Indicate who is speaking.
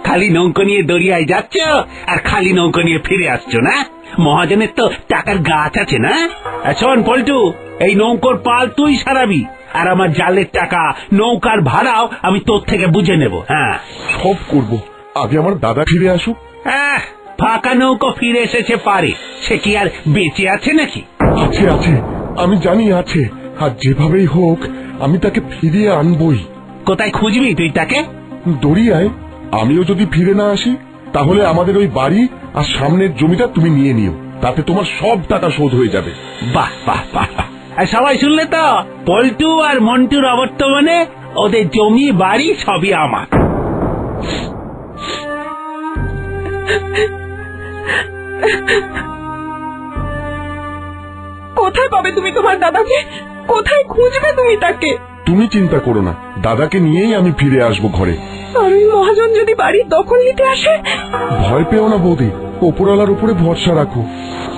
Speaker 1: খালি নৌকো নিয়ে দরিয়ায় যাচ্ছ আর খালি নৌকো নিয়ে ফিরে আসছো না? মহাজনের তো টাকার গাছ আছে না? শোন পল্টু, এই নৌকোর পাল তুই সারাবি, আর আমার জালের টাকা নৌকার ভাড়াও আমি তোর থেকে বুঝে নেব। হ্যাঁ,
Speaker 2: সব করব, আগে আমার দাদা ফিরে আসুক।
Speaker 1: ফাঁকা নৌকো ফিরে এসেছে পারে, সে কি আর বেঁচে আছে নাকি?
Speaker 2: আছে আছে, আমি জানি আছে, আর যেভাবেই হোক আমি তাকে ফিরিয়ে আনবই।
Speaker 1: কোথায় খুঁজবি তুই তাকে?
Speaker 2: দরিয়ায়। আমিও যদি ফিরে না আসি তাহলে আমাদের ওই বাড়ি আর সামনের জমিটা তুমি নিয়ে নিও, তাতে তোমার সব টাকা শোধ হয়ে যাবে।
Speaker 1: বাহ বাহ বাহ, আর সবাই শুনলে তো? পল্টু আর মন্টুর অবর্তমানে ওদের জমি বাড়ি সবই আমার।
Speaker 3: কোথায় পাবে তুমি তোমার দাদাকে? কোথায় খুঁজবে তুমি তাকে?
Speaker 2: তুমি চিন্তা করো না, দাদাকে নিয়েই আমি ফিরে আসবো ঘরে।
Speaker 3: আর ওই মহাজন যদি বাড়ির দখল নিতে আসে?
Speaker 2: ভয় পেও না বৌদি, ওপরওয়ালার উপরে ভরসা রাখো।